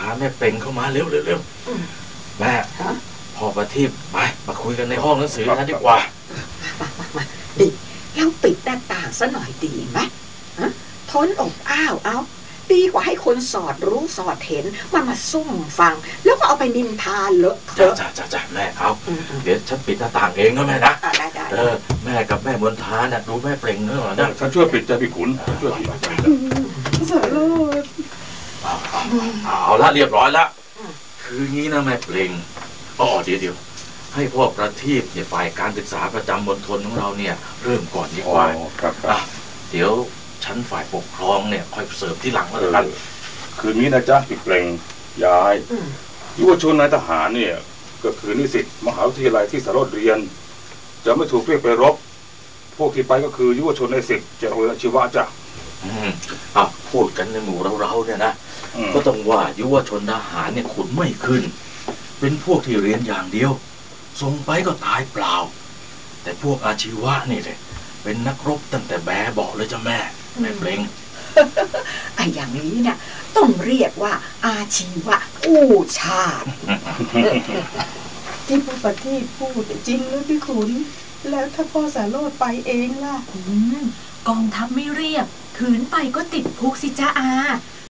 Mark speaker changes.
Speaker 1: แม่เปล่งเข้ามาเร็วแม่พ่อประทีปไปมาคุยกันในห้องหนังสือกันดีกว่า
Speaker 2: มาดิเราปิดหน้าต่างซะหน่อยดีไหมทนอบอ้าวเอาดีกว่าให้คนสอดรู้สอดเห็นมาซุ่มฟังแล้วก็เอาไปนินทาเลอะเทอะ
Speaker 1: จ้าแม่เอาเดี๋ยวฉันปิดหน้าต่างเองนะแม่นะ
Speaker 2: ได้
Speaker 1: แม่กับแม่มนทาน่ะดูแม่เปล่งเนอะนะ
Speaker 3: ฉันช่วยปิดจ้ะพี่ขุนช่วยปิด
Speaker 4: สาโรจน์
Speaker 1: เอาละเรียบร้อยละคืองี้นะแม่เปล่งเดี๋ยวให้พ่อประทีปเนี่ยฝ่ายการศึกษาประจำมณฑลของเราเนี่ยเริ่มก่อนดีกว่าเดี๋ยวชั้นฝ่ายปกครองเนี่ยค่อยเสริมที่หลังแล้วกัน
Speaker 3: คืนนี้นะจ๊ะพี่เปล่งยายยุวชนนายทหารเนี่ยก็คือนิสิตมหาวิทยาลัยที่สารโรจน์เรียนจะไม่ถูกเรียกไปรบพวกที่ไปก็คือยุวชนในสิบจะโรงเรียนชีวะจ้ะ
Speaker 1: พูดกันในหมู่เราเนี่ยนะก็ต้องว่ายุวชนทหารเนี่ยขุนไม่ขึ้นเป็นพวกที่เรียนอย่างเดียวส่งไปก็ตายเปล่าแต่พวกอาชีวะนี่เลยเป็นนักรบตั้งแต่แบเบาะเลยจ้ะแม่เปล่ง
Speaker 2: อย่างนี้เนี่ยต้องเรียกว่าอาชีวะกู้ชาติ
Speaker 4: ที่พ่อประทีปพูดจริงหรือพี่ขุนแล้วถ้าพ่อสาโรจน์ไปเองล่ะ
Speaker 5: กองทัพไม่เรียกขืนไปก็ติดคุกสิจ้าอา